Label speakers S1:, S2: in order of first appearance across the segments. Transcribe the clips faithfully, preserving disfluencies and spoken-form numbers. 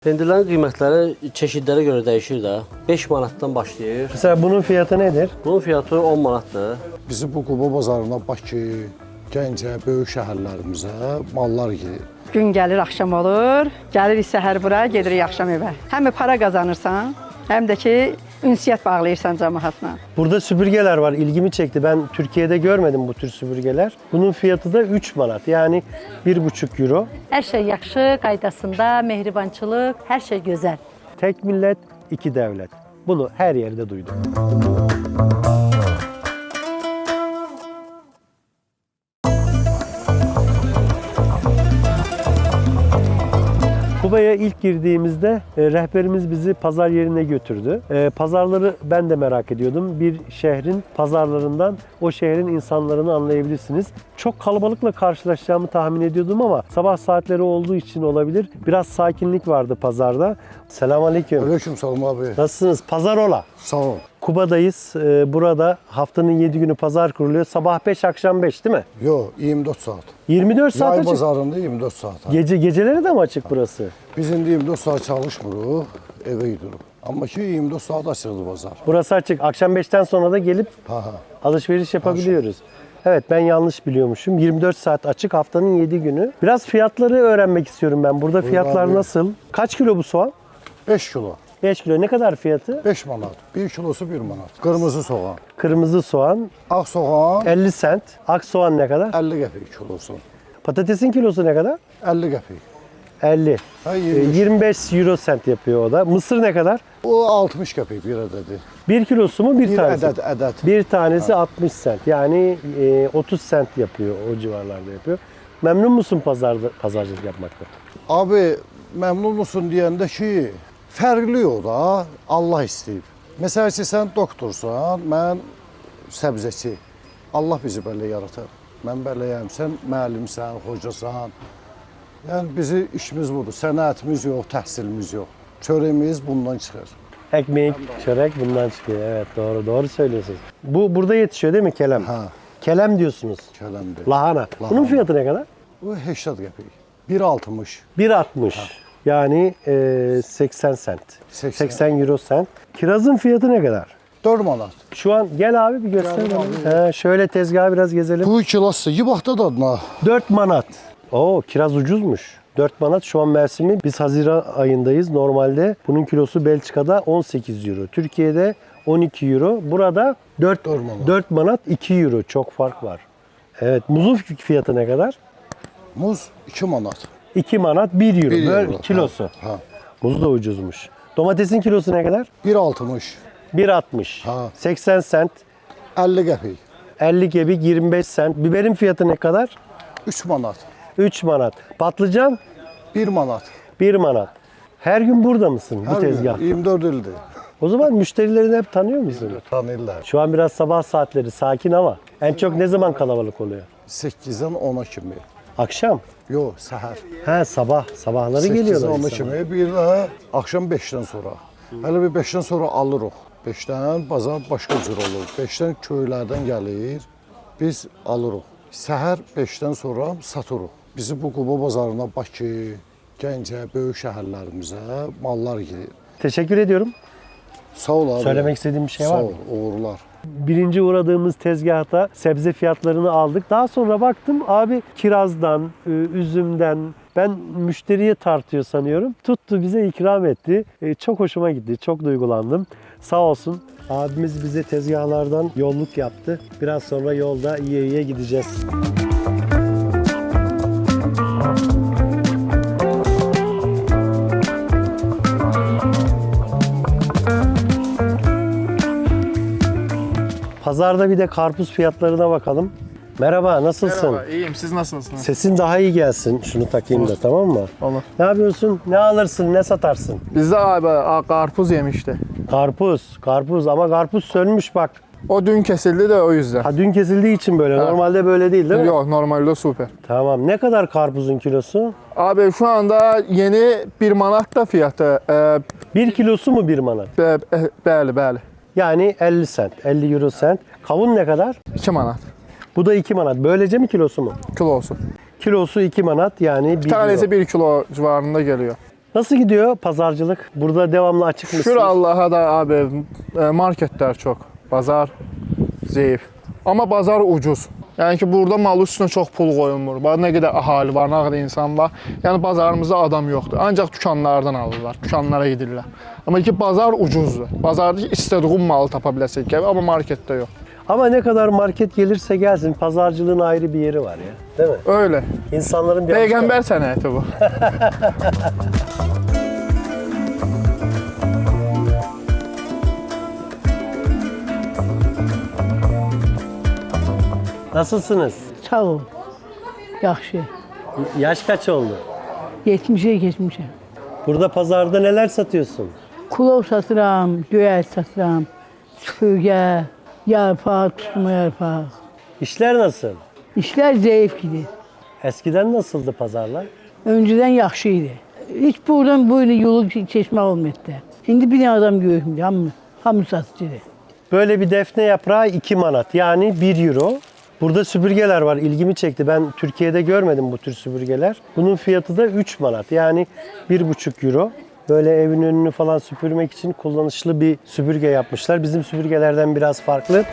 S1: Pendirlərin qiymətləri çeşidlərə görə dəyişir də. beş manatdan başlayır.
S2: Mesela bunun fiyatı nedir?
S1: Bunun fiyatı on manatdır.
S3: Bizi bu Quba bazarına Bakı, Gəncə, böyük şəhərlərimizə mallar gedir.
S4: Gün gəlir, axşam olur. Gəlirik səhər bura, gedirik axşam evə. Həm də para qazanırsan, həm də ki, ünsiyyət bağlayırsan cəmaatla.
S2: Burada süpürgeler var. İlgimi çekti. Ben Türkiye'de görmedim bu tür süpürgeler. Bunun fiyatı da üç manat. Yani bir buçuk euro.
S5: Hər şey yaxşı, qaydasında, mehribançılıq, hər şey gözəl.
S2: Tek millet, iki devlet. Bunu her yerde duydum. Kuba'ya ilk girdiğimizde e, rehberimiz bizi pazar yerine götürdü. E, pazarları ben de merak ediyordum. Bir şehrin pazarlarından o şehrin insanlarını anlayabilirsiniz. Çok kalabalıkla karşılaşacağımı tahmin ediyordum ama sabah saatleri olduğu için olabilir. Biraz sakinlik vardı pazarda. Selamünaleyküm.
S3: Aleyküm salam abi.
S2: Nasılsınız? Pazar ola.
S3: Sağ ol.
S2: Kuba'dayız. E, burada haftanın yedi günü pazar kuruluyor. Sabah beş, akşam beş değil mi?
S3: Yo, iyirmi dörd saat.
S2: yirmi dört saat
S3: Yay
S2: açık.
S3: bazarında iyirmi dörd saat.
S2: Gece geceleri de mi açık burası?
S3: Biz indi iyirmi dörd saat çalışmırıq, evə gidirik. Amma ki iyirmi dörd saat açıqdır bazar.
S2: Burası açık. Akşam beşten sonra da gelip
S3: Ha ha.
S2: alışveriş yapabiliyoruz. Evet, ben yanlış biliyormuşum. yirmi dört saat açık, haftanın yedi günü. Biraz fiyatları öğrenmek istiyorum ben. Burada fiyatlar
S3: abi.
S2: nasıl? Kaç kilo bu soğan?
S3: beş kilo,
S2: beş kilo. Ne kadar fiyatı?
S3: beş manat. bir kilosu bir manat. Qırmızı soğan.
S2: Kırmızı soğan
S3: Ağ soğan
S2: elli sent. Ak soğan ne kadar?
S3: əlli qəpik kilosu.
S2: Patatesin kilosu ne kadar?
S3: əlli qəpik.
S2: elli.
S3: Ha
S2: Ee,
S3: yirmi beş.
S2: yirmi beş euro sent yapıyor o da. Mısır ne kadar?
S3: O altmış qəpik bir ədədi.
S2: bir kilosu mu bir,
S3: Bir
S2: tanesi?
S3: ədəd, ədəd.
S2: Bir tanesi altmış sent. Yani e, otuz sent yapıyor. O civarlarda yapıyor. Memnun musun pazarda pazarcılık yapmakta?
S3: Abi məmnun musun deyəndə ki, fərqli o da, Allah istəyib. Məsəl ki, sən doktorsan, mən səbzəçi. Allah bizi belə yaratır. Mən beləyəm, sən müəllimsən, hocasan. Yəni bizi işimiz budur. Sənətimiz yox, təhsilimiz yox. Çörəyimiz bundan çıxır.
S2: Ekmek, çörek bundan çıkıyor. Evet, doğru doğru söylüyorsunuz. Bu burada yetişiyor değil mi kelem?
S3: Ha,
S2: Kelem diyorsunuz.
S3: kələmdir.
S2: Lahana. Bunun fiyatı ne kadar?
S3: Bu səksən qəpik. bir altmış.
S2: bir altmış. Yani e, seksen sent.
S3: seksen.
S2: seksen euro sent. Kirazın fiyatı ne kadar?
S3: dörd manat.
S2: Şu an gel abi bir göster
S3: Gel
S2: bana. He, şöyle tezgahı biraz gezelim.
S3: Bu kilası yibaqda dadına.
S2: dört manat. Oo, kiraz ucuzmuş. dört manat şu an mevsimi. Biz Haziran ayındayız. Normalde bunun kilosu Belçika'da on sekiz euro. Türkiye'de on iki euro. Burada dört,
S3: dört manat.
S2: dört manat iki euro. Çok fark var. Evet. Muzun fiyatı ne kadar?
S3: Muz iki manat.
S2: iki manat bir euro.
S3: bir
S2: Böyle
S3: euro.
S2: kilosu.
S3: Ha, ha.
S2: Muz da ucuzmuş. Domatesin kilosu ne kadar?
S3: bir altmış.
S2: bir altmış.
S3: Ha.
S2: seksen sent.
S3: əlli qəpik.
S2: elli kebik yirmi beş sent. Biberin fiyatı ne kadar?
S3: üç manat.
S2: üç manat. Patlıcan
S3: bir manat.
S2: bir manat. Her gün burada mısın bu
S3: Hər gün
S2: tezgah?
S3: iyirmi dörd ildir.
S2: O zaman müşterilerini hep tanıyor musun?
S3: Tanıyırlar.
S2: Şu an biraz sabah saatleri sakin ama en çok ne zaman kalabalık oluyor?
S3: səkkizdən ona kimi.
S2: Akşam.
S3: Yox, səhər.
S2: He sabah. Sabahları
S3: səkkizdən
S2: geliyorlar
S3: ona
S2: insanlar.
S3: kimi, bir də axşam beşdən sonra. Hələ bir beşdən sonra alırıq. beşdən bazar başqa cür olur. beşdən köylərdən gəlir, biz alırıq. Səhər beşdən sonra satırıq. Bizi bu Quba bazarına Bakı, Gəncə, böyük şəhərlərimizə mallar gedir.
S2: Teşekkür ediyorum.
S3: Sağ ol abi.
S2: Söylemek istediğim bir şey var
S3: Sağ
S2: mı?
S3: ol, uğurlar.
S2: Birinci uğradığımız tezgahta sebze fiyatlarını aldık. Daha sonra baktım abi kirazdan, e, üzümden ben müşteriye tartıyor sanıyorum. Tuttu bize ikram etti. E, Çok hoşuma gitti. Çok duygulandım. Sağ olsun. Abimiz bize tezgahlardan yolluk yaptı. Biraz sonra yolda iyiye iyiye gideceğiz. Pazarda bir de karpuz fiyatlarına bakalım. Merhaba, nasılsın?
S6: Merhaba, iyiyim. Siz nasılsınız?
S2: Sesin daha iyi gelsin. Şunu takayım da, tamam mı?
S6: Olur.
S2: Ne yapıyorsun? Ne alırsın? Ne satarsın?
S6: Bizde abi a, karpuz yemişti.
S2: Karpuz. Karpuz ama karpuz sönmüş bak.
S6: O dün kesildi de o yüzden.
S2: Ha, dün kesildiği için böyle.
S6: Ha.
S2: Normalde böyle değil değil mi?
S6: Yok, normalde süper.
S2: Tamam. Ne kadar karpuzun kilosu?
S6: Abi şu anda yeni bir manat da fiyatı. Ee,
S2: Bir kilosu mu bir manat?
S6: be, be, bəli, bəli.
S2: Yani elli sent. elli euro sent. Kavun ne kadar?
S6: iki manat
S2: Bu da iki manat. Böylece mi kilosu mu?
S6: kilosu.
S2: Kilosu iki manat yani bir
S6: Bir tanesi
S2: euro.
S6: bir kilo civarında geliyor.
S2: Nasıl gidiyor pazarcılık? Burada devamlı açık mısınız?
S6: Şükür Allah'a da abi e, marketler çok. Bazar zayıf. Ama bazar ucuz. Yəni ki, burada mal üstünə çox pul qoyulmur. Bax, nə qədər əhali var, nə qədər insan var. Yəni bazarımızda adam yoxdur. Ancaq dükanlardan alırlar, dükanlara gedirlər. Amma ki, bazar ucuzdur. Bazarda istədiğin malı tapa biləsən, amma marketdə yox.
S2: Ama ne kadar market gelirse gelsin pazarcılığın ayrı bir yeri var ya. Değil mi?
S6: Öyle.
S2: İnsanların bir
S6: Peygamber sənəti bu.
S2: Nasılsınız?
S7: Sağ ol. Yaxşı.
S2: Yaş kaç oldu?
S7: yetmişə keçmişəm.
S2: Burada pazarda neler satıyorsun?
S7: Kulov satıram, göyəl satıram, süpürgə, yarpaq, tutma yarpaq.
S2: İşler nasıl?
S7: İşlər zəif idi.
S2: Eskiden nasıldı pazarlar?
S7: Öncədən yaxşı idi. Heç buradan bu ilə yolu keçmək olmadı. İndi bir adam görmür, hamı, hamı satıcıdır.
S2: Böyle bir defne yaprağı iki manat yani bir euro. Burada süpürgeler var. İlgimi çekti. Ben Türkiye'de görmedim bu tür süpürgeler. Bunun fiyatı da üç manat. Yani bir buçuk euro. Böyle evin önünü falan süpürmek için kullanışlı bir süpürge yapmışlar. Bizim süpürgelerden biraz farklı.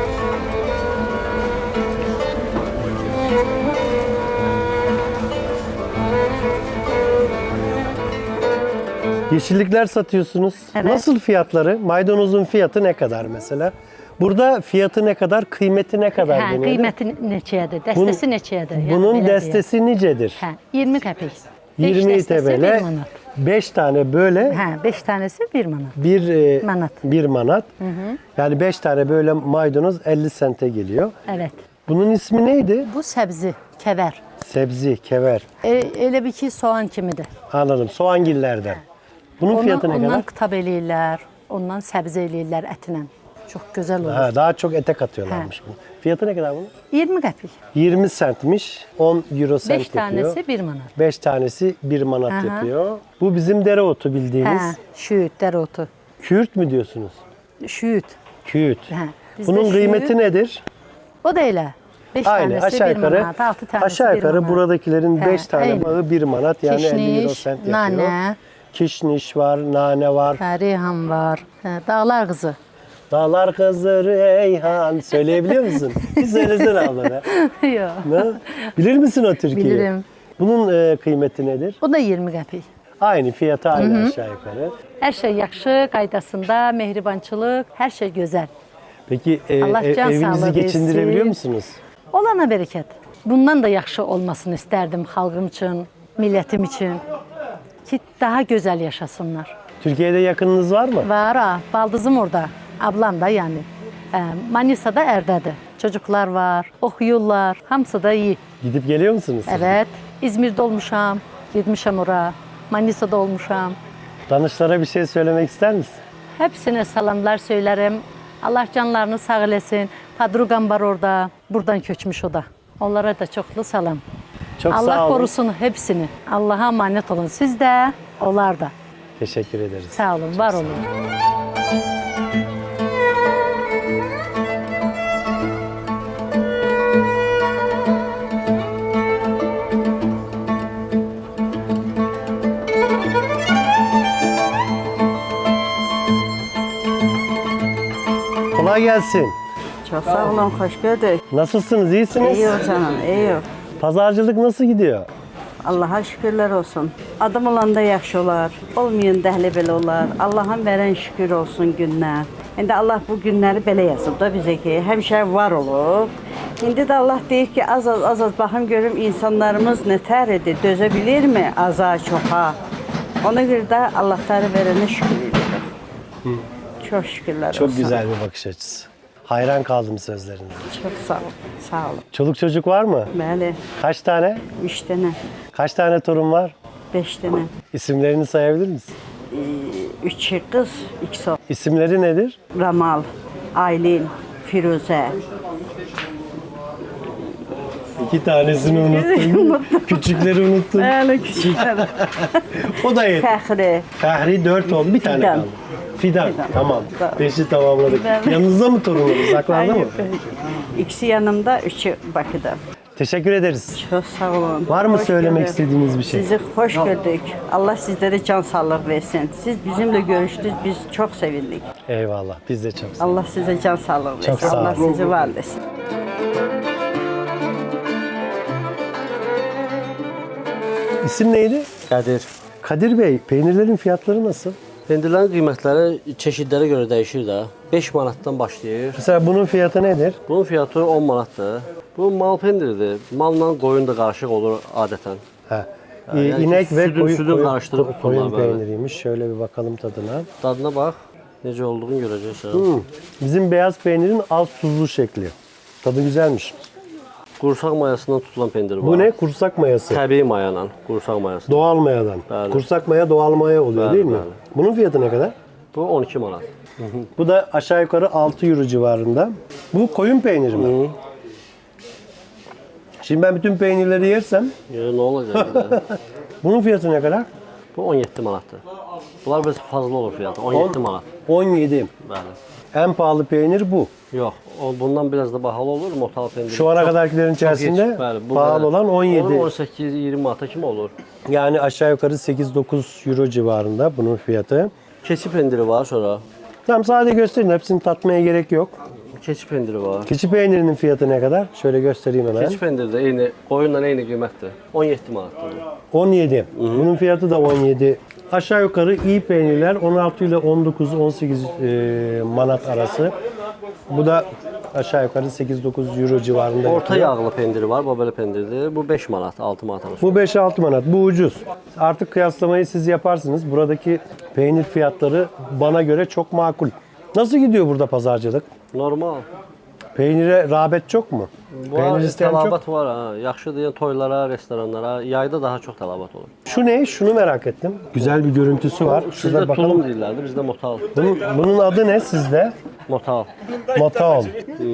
S2: Yeşillikler satıyorsunuz.
S5: Evet.
S2: Nasıl fiyatları? Maydanozun fiyatı ne kadar mesela? Burada fiyatı ne kadar, kıymeti ne kadar
S5: Hə,
S2: deniyor?
S5: qiyməti neçəyədir, dəstəsi neçəyədir? Yəni
S2: Bunun
S5: belə deyək.
S2: destesi nicedir?
S5: Hə, iyirmi qəpik. Beş
S2: yirmi
S5: dəstəsi
S2: T L,
S5: bir manat.
S2: beş tane böyle
S5: Hə, beş tanəsi bir manat.
S2: bir e,
S5: Manat.
S2: bir manat. Yani beş tane böyle maydanoz elli sente geliyor.
S5: Evet.
S2: Bunun ismi neydi?
S5: Bu səbzi, kəvər.
S2: Sebzi, kever.
S5: E, elə bir ki, soğan kimidir.
S2: Anladım. Soğangillerden. Bunun
S5: Ondan,
S2: fiyatı ne
S5: ondan
S2: kadar?
S5: qitab eləyirlər, ondan səbzi eləyirlər ətlə. Çox gözəl olur.
S2: Ha, daha çok ete katıyorlarmış bunu. Fiyatı ne kadar bunun?
S5: iyirmi qəpik.
S2: yirmi centmiş. on euro sent
S5: beş
S2: yapıyor.
S5: tanəsi bir manat.
S2: beş tanesi bir manat
S5: Aha.
S2: yapıyor. Bu bizim dereotu bildiğimiz.
S5: Hə, şüyüt, dəreotu.
S2: Kürt mü diyorsunuz?
S5: Şüyüt.
S2: Kürt.
S5: Hə. bizdə
S2: Bunun
S5: şüyüt-
S2: kıymeti nedir?
S5: O da elə. beş
S2: Aynı
S5: tanəsi
S2: aşağı
S5: bir
S2: yukarı
S5: manat, altı tanəsi
S2: aşağı
S5: bir
S2: yukarı
S5: manat.
S2: buradakilerin
S5: Hə,
S2: beş tane
S5: eyni.
S2: bağı bir manat yani elli euro
S5: Kişniş,
S2: sent yapıyor.
S5: nanə,
S2: Kişniş var, nane var.
S5: hə, reyhan var, hə, dağlar qızı.
S2: Dağlar kızı Reyhan. Söyleyebiliyor musun? Bir söylesene abla be.
S5: Yox.
S2: Ne? Bilir misin o türküyü?
S5: Bilirim.
S2: Bunun e, kıymeti nedir?
S5: O da iyirmi qəpik.
S2: Aynı fiyatı aynı aşağı yukarı.
S5: Hər şey yaxşı, qaydasında, mehribançılıq, hər şey gözəl.
S2: Peki e,
S5: Allah
S2: e,
S5: can
S2: evinizi
S5: sağlığı
S2: geçindirebiliyor
S5: versin.
S2: musunuz?
S5: Olana bərəkət. Bundan da yaxşı olmasını istərdim xalqım üçün, millətim üçün. Ki, daha gözəl yaşasınlar.
S2: Türkiye'de yakınınız var mı?
S5: Var ha, baldızım orada, ablam da yani. Hə, Manisa'da Ərdədir. Çocuklar var, oxuyurlar, hamısı da iyi.
S2: Gidip geliyor musunuz?
S5: Evet, İzmir'de olmuşam, gitmişəm ora, Manisa'da olmuşam.
S2: Danışlara bir şey söylemek ister misin?
S5: Hepsine salamlar söylerim. Allah canlarını sağ eləsin. Padruqam var orada, buradan köçmüş o da. Onlara da çoxlu salam.
S2: Çok
S5: Allah
S2: sağ olun.
S5: korusun hepsini. Allah'a emanet olun. Siz de, onlar da.
S2: Teşekkür ederiz.
S5: Sağ olun, var olun.
S2: Kolay gelsin.
S8: Çok sağ olun, hoş gördük.
S2: Nasılsınız? İyisiniz?
S8: İyi ol canım, iyi ol.
S2: Pazarcılık nasıl gidiyor?
S8: Allah'a şükürler olsun. Adam olanda yaxşı olar, olmayan dəhli belə olar. Allah'ın verən şükür olsun günlər. İndi Allah bu günləri belə yazıb da bizə ki, həmişə var olub. İndi də Allah deyir ki, az az az az baxım görüm insanlarımız nətər edir, dözə bilirmi aza, çoxa. Ona görə də Allahları verənə şükür edirik. Çok şükürler
S2: Çok
S8: olsun.
S2: güzel bir bakış açısı. Hayran kaldım sözlerinize.
S8: Çok sağ ol, sağ olun.
S2: Çoluk çocuk var mı?
S8: Bəli,
S2: Kaç tane?
S8: üç dənə,
S2: Kaç tane torun var?
S8: beş dənə.
S2: İsimlerini sayabilir misin?
S8: Üç qız, ikisi oğlan.
S2: İsimleri nedir?
S8: Ramal, Aylin, Firuzə.
S2: İki tanesini unuttum. Küçükleri unuttum.
S8: Bəli, küçüklər.
S2: O da yet.
S8: Fəxri.
S2: Fəhri dört oldu. Bir tane
S8: Fidan.
S2: kaldı. Fidan.
S8: Fidan.
S2: Tamam.
S8: Tamam.
S2: Beşi tamamladık.
S8: Ben-
S2: Yanınızda mı torununuz? Saklandı mı?
S8: İkisi yanımda, üçü Bakıda.
S2: Teşekkür ederiz.
S8: Çok sağ olun.
S2: Var mı
S8: Hoş
S2: söylemek
S8: gördük.
S2: istediğiniz bir şey?
S8: Sizi hoş gördük. Allah sizlere can sağlık versin. Siz bizimle görüştünüz, biz çok sevindik.
S2: Eyvallah. Biz de çok sağ
S8: Allah size can sağlık versin.
S2: Çok sağ
S8: Allah
S2: olun.
S8: sizi var etsin.
S2: İsim neydi?
S1: Qədir.
S2: Kadir Bey, peynirlerin fiyatları nasıl?
S1: Pendirlərin qiymətləri çeşidlərə görə dəyişir də. beş manatdan başlayır.
S2: Mesela bunun fiyatı nedir?
S1: Bunun fiyatı on manatdır. Bu mal pendiridir. Malla qoyun da qarışıq olur adətən.
S2: Ha.
S1: yani
S2: inek ve
S1: sütün-
S2: koyun,
S1: sütün
S2: koyun,
S1: karıştırıp
S2: koyun
S1: kullanma, evet.
S2: peyniriymiş. Şöyle bir bakalım tadına.
S1: Dadına bax, necə olduğunu görəcəksən.
S2: Hmm. Bizim beyaz peynirin az tuzlu şekli. Tadı güzelmiş.
S1: Qursaq mayasından tutulan pendir var.
S2: Bu ne? Kursak mayası.
S1: Təbii mayadan, qursaq mayası.
S2: Doğal mayadan.
S1: Bəli.
S2: Kursak maya doğal maya oluyor
S1: Bəli,
S2: değil mi?
S1: bəli.
S2: Bunun fiyatı ne kadar?
S1: Bu on iki manat.
S2: Bu da aşağı yukarı altı euro civarında. Bu koyun peyniri mi?
S1: Hı.
S2: Şimdi ben bütün peynirleri yersem
S1: Ya, nə olacaq? bir də?
S2: bunun fiyatı ne kadar?
S1: Bu on yeddi manatdır. Bunlar biraz fazla olur fiyatı. on yeddi manat.
S2: on yedi.
S1: Bəli.
S2: En pahalı peynir bu.
S1: Yox, o bundan biraz da bahalı olur motal pendiri.
S2: Şu ana
S1: Çox-
S2: kadarkilerin içerisinde
S1: Heç, bəli, bu
S2: pahalı
S1: qədər.
S2: olan on yedi.
S1: Olur on səkkiz iyirmi manata kimi olur.
S2: Yani aşağı yukarı sekiz dokuz euro civarında bunun fiyatı.
S1: Keçi pendiri var sonra.
S2: Tamam sadece gösterin. Hepsini tatmaya gerek yok.
S1: Keçi pendiri var.
S2: Keçi peynirinin fiyatı ne kadar? Şöyle göstereyim hemen.
S1: Keçi pendiri də eyni, qoyunla eyni qiymətdir. on yeddi manatdır. bu.
S2: on yedi. Bunun fiyatı da on yedi. Aşağı yukarı iyi peynirler on altı ile on dokuz on sekiz e, manat arası. Bu da aşağı yukarı sekiz dokuz euro civarında.
S1: Orta
S2: yapıyor.
S1: yağlı pendiri var, bu belə pendirdir. Bu beş manat, altı manat arası.
S2: Bu beş altı manat. Bu ucuz. Artık kıyaslamayı siz yaparsınız. Buradaki peynir fiyatları bana göre çok makul. Nasıl gidiyor burada pazarcılık?
S1: Normal.
S2: Peynire rağbet çok mu?
S1: Bu
S2: isteyen çok.
S1: tələbat var ha. Yaxşıdır, yəni toylara, restoranlara, yayda daha çox tələbat olur.
S2: Şu ne? Şunu merak ettim. Güzel bir görüntüsü var. Şurada
S1: Sizdə
S2: bakalım.
S1: tulum deyirlərdi, bizdə motal.
S2: Bunun, bunun adı ne sizde?
S1: Motal.
S2: Motaol.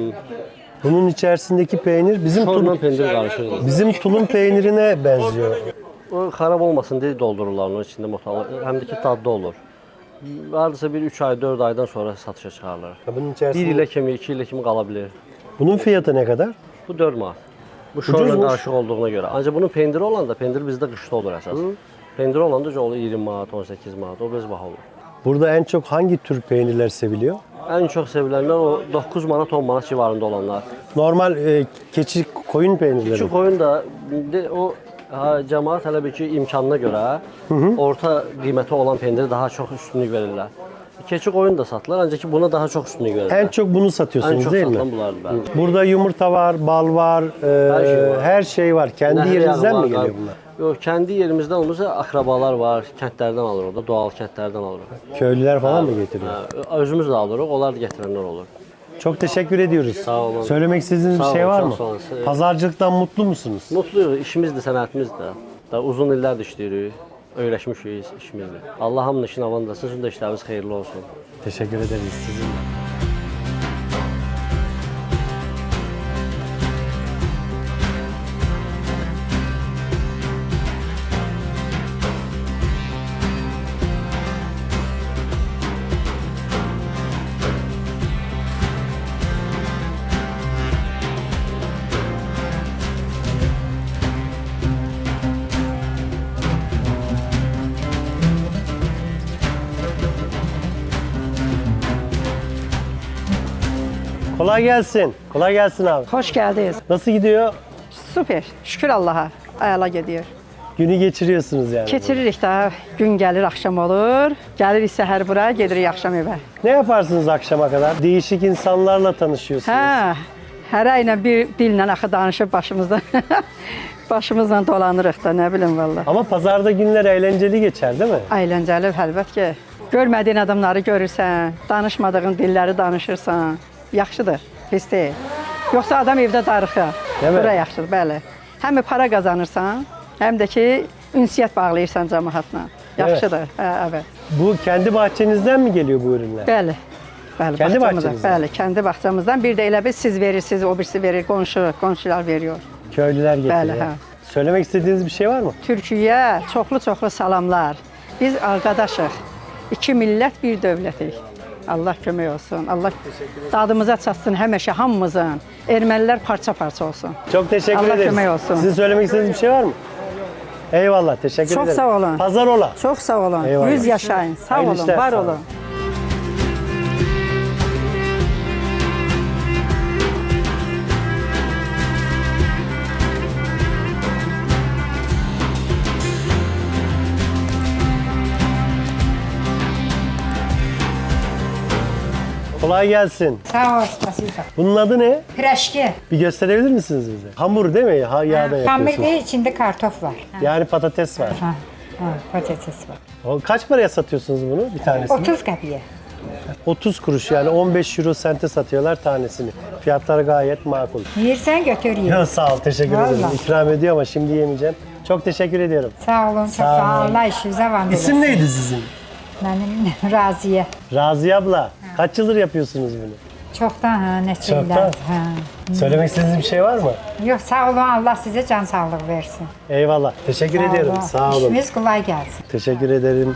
S2: Bunun içerisindeki peynir bizim
S1: Torla
S2: tulum,
S1: pendir qarışır.
S2: bizim tulum peynirine benziyor.
S1: O xarab olmasın deyə doldururlar onun içində motalı. Həm də ki dadlı olur. Hardasa bir üç ay, dörd aydan sonra satışa çıxarılır.
S2: Bunun
S1: bir
S2: içerisinde.
S1: ilə kimi, iki ilə kimi qala bilər.
S2: Bunun fiyatı ne kadar?
S1: Bu dörd manat. Bu şorla
S2: Ucuzmuş.
S1: qarışıq olduğuna görə. Ancaq bunun pendiri olanda, pendir bizdə qışda olur əsas. Pendiri olanda olur iyirmi manat, on səkkiz manat, o biraz baha olur.
S2: Burada en çok hangi tür peynirler seviliyor?
S1: Ən çox sevilənlər o doqquz manat, on manat civarında olanlar.
S2: Normal e, keçi koyun peynirleri.
S1: Küçük qoyun da de, o ha, cəmaət hələ bir ki imkanına görə orta qiyməti olan pendiri daha çox üstünlük verirlər. Keçi qoyun da satılır, ancaq ki buna daha çox üstünlük verirlər.
S2: En çok bunu
S1: Ən
S2: satıyorsunuz
S1: çox
S2: değil mi?
S1: satılan bunlardır bəli.
S2: Burada yumurta var, bal var, e, her,
S1: şey var.
S2: şey var. Kendi
S1: Nəhər
S2: yerinizden
S1: yağı
S2: mi
S1: var,
S2: geliyor bunlar?
S1: Yox, kəndi yerimizdən olmasa akrabalar var, kəndlərdən alır orada, doğal kəndlərdən alırıq.
S2: Köylüler falan mı getiriyor?
S1: Hə, özümüz də alırıq, onlar da gətirənlər olur.
S2: Çok teşekkür ediyoruz.
S1: Sağ olun.
S2: Söylemek istediğiniz bir
S1: Sağ
S2: şey
S1: olun,
S2: var
S1: çok
S2: mı?
S1: sağ olun.
S2: Pazarcılıktan mutlu musunuz?
S1: Mutluyuq, işimizdir, sənətimizdir. Da uzun illərdir işləyirik, öyrəşmişik işimizdir. Allah hamının işini avandırsın, sizin də işləriniz xeyirli olsun.
S2: Teşekkür ederiz sizin de. Kolay gelsin. Kolay gelsin abi.
S4: Hoş geldiniz.
S2: Nasıl gidiyor?
S4: Süper. Şükür Allah'a. Ayala gidiyor.
S2: Günü geçiriyorsunuz yani.
S4: Keçiririk də. Gün gəlir, axşam olur. Gəlirik səhər bura, gedirik axşam evə.
S2: Ne yaparsınız akşama kadar? Değişik insanlarla tanışıyorsunuz.
S4: Hə, hərə ilə bir dillə axı danışıb başımızda. Başımızla dolanırıq da, nə bilim valla.
S2: Ama pazarda günler eğlenceli geçer değil mi?
S4: Əyləncəli, əlbət ki. Görmədiyin adamları görürsən, danışmadığın dilləri danışırsan. Yaxşıdır, pis deyil. Yoxsa adam evdə darıxır.
S2: Değil mi?
S4: Bura yaxşıdır, bəli. Həm para qazanırsan, həm də ki ünsiyyət bağlayırsan cəmaatla. Yaxşıdır, hə, evet.
S2: Bu kendi bahçenizden mi geliyor bu ürünler?
S4: Bəli. Bəli,
S2: Kendi
S4: bağçamızdan.
S2: bahçenizden?
S4: Bəli, kendi bağçamızdan. Bir də elə bir siz verirsiniz, o birisi verir, qonşu, qonşular veriyor.
S2: Köylüler getiriyor.
S4: Bəli, hə.
S2: Söylemek istediğiniz bir şey var mı?
S4: Türkiyə çoxlu-çoxlu salamlar. Biz qardaşıq. İki millət, bir dövlətik. Allah kömək olsun. Allah dadımıza çatsın həmişə hamımızın. Ermənilər parça-parça olsun.
S2: Çok teşekkür
S4: Allah
S2: ederiz.
S4: kömək olsun.
S2: Sizin söylemek istediğiniz bir şey var mı? Eyvallah, teşekkür
S4: Çox
S2: ederim.
S4: sağ olun.
S2: Pazar ola.
S4: Çox sağ olun.
S2: Eyvallah.
S4: Yüz yaşayın. Sağ
S2: Hayırlı
S4: olun,
S2: işler,
S4: var
S2: sağ olun.
S4: olun.
S2: Kolay gelsin.
S9: Sağ ol, spasibo.
S2: Bunun adı ne?
S9: Piraşki.
S2: Bir gösterebilir misiniz bize? Hamur değil mi? Ha, yağda
S9: Hamur
S2: yapıyorsunuz.
S9: değil, içinde kartof var.
S2: Yani patates var.
S9: Ha, ha, patates var.
S2: O kaç paraya satıyorsunuz bunu bir tanesini?
S9: otuz kapıya.
S2: otuz kuruş yani on beş euro sente satıyorlar tanesini. Fiyatları gayet makul.
S9: Yersen götür ye.
S2: Ya sağ ol, teşekkür ederim.
S9: Vallahi.
S2: İkram ediyor ama şimdi yemeyeceğim. Çok teşekkür ediyorum.
S9: Sağ olun, çok
S2: Sağ
S9: sağ
S2: olun.
S9: Allah işinize var.
S2: İsim neydi sizin?
S9: Benim Raziye.
S2: Raziye abla. Kaç yıldır yapıyorsunuz bunu?
S9: Çoktan ha, ne
S2: Çoktan.
S9: şeyler. Ha.
S2: Söylemek istediğiniz bir şey var mı?
S9: Yok sağ olun, Allah size can sağlık versin.
S2: Eyvallah. Teşekkür ediyorum. Sağ olun.
S9: İşiniz kolay gelsin.
S2: Teşekkür ederim.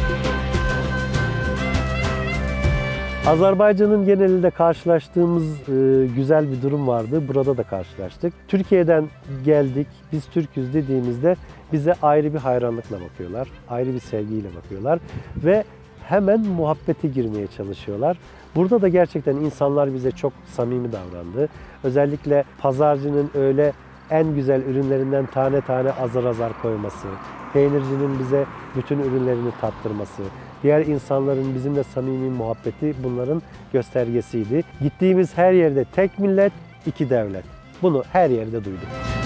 S2: Azerbaycan'ın genelinde karşılaştığımız e, güzel bir durum vardı. Burada da karşılaştık. Türkiye'den geldik, biz Türk'üz dediğimizde bize ayrı bir hayranlıkla bakıyorlar. Ayrı bir sevgiyle bakıyorlar. Ve hemen muhabbete girmeye çalışıyorlar. Burada da gerçekten insanlar bize çok samimi davrandı. Özellikle pazarcının öyle en güzel ürünlerinden tane tane azar azar koyması, peynircinin bize bütün ürünlerini tattırması, diğer insanların bizimle samimi muhabbeti bunların göstergesiydi. Gittiğimiz her yerde tek millet, iki devlet. Bunu her yerde duyduk.